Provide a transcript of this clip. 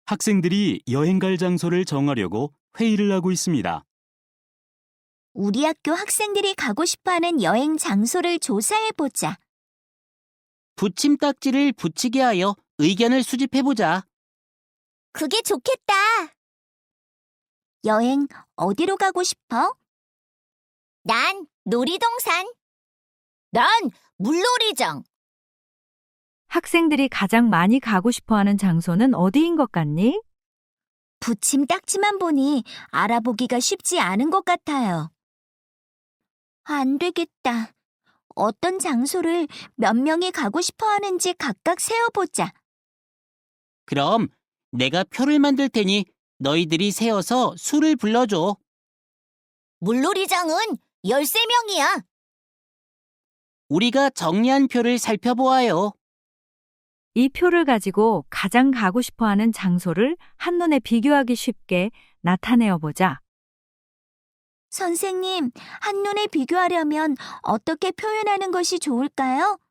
학생들이 여행 갈 장소를 정하려고 회의를 하고 있습니다. 우리 학교 학생들이 가고 싶어하는 여행 장소를 조사해보자. 붙임딱지를 붙이게 하여 의견을 수집해보자. 그게 좋겠다. 여행 어디로 가고 싶어? 난 놀이동산. 난 물놀이장. 학생들이 가장 많이 가고 싶어하는 장소는 어디인 것 같니? 붙임딱지만 보니 알아보기가 쉽지 않은 것 같아요. 안 되겠다. 어떤 장소를 몇 명이 가고 싶어 하는지 각각 세어보자. 그럼 내가 표를 만들 테니 너희들이 세어서 수를 불러줘. 물놀이장은 13명이야. 우리가 정리한 표를 살펴보아요. 이 표를 가지고 가장 가고 싶어하는 장소를 한눈에 비교하기 쉽게 나타내어 보자. 선생님, 한눈에 비교하려면 어떻게 표현하는 것이 좋을까요?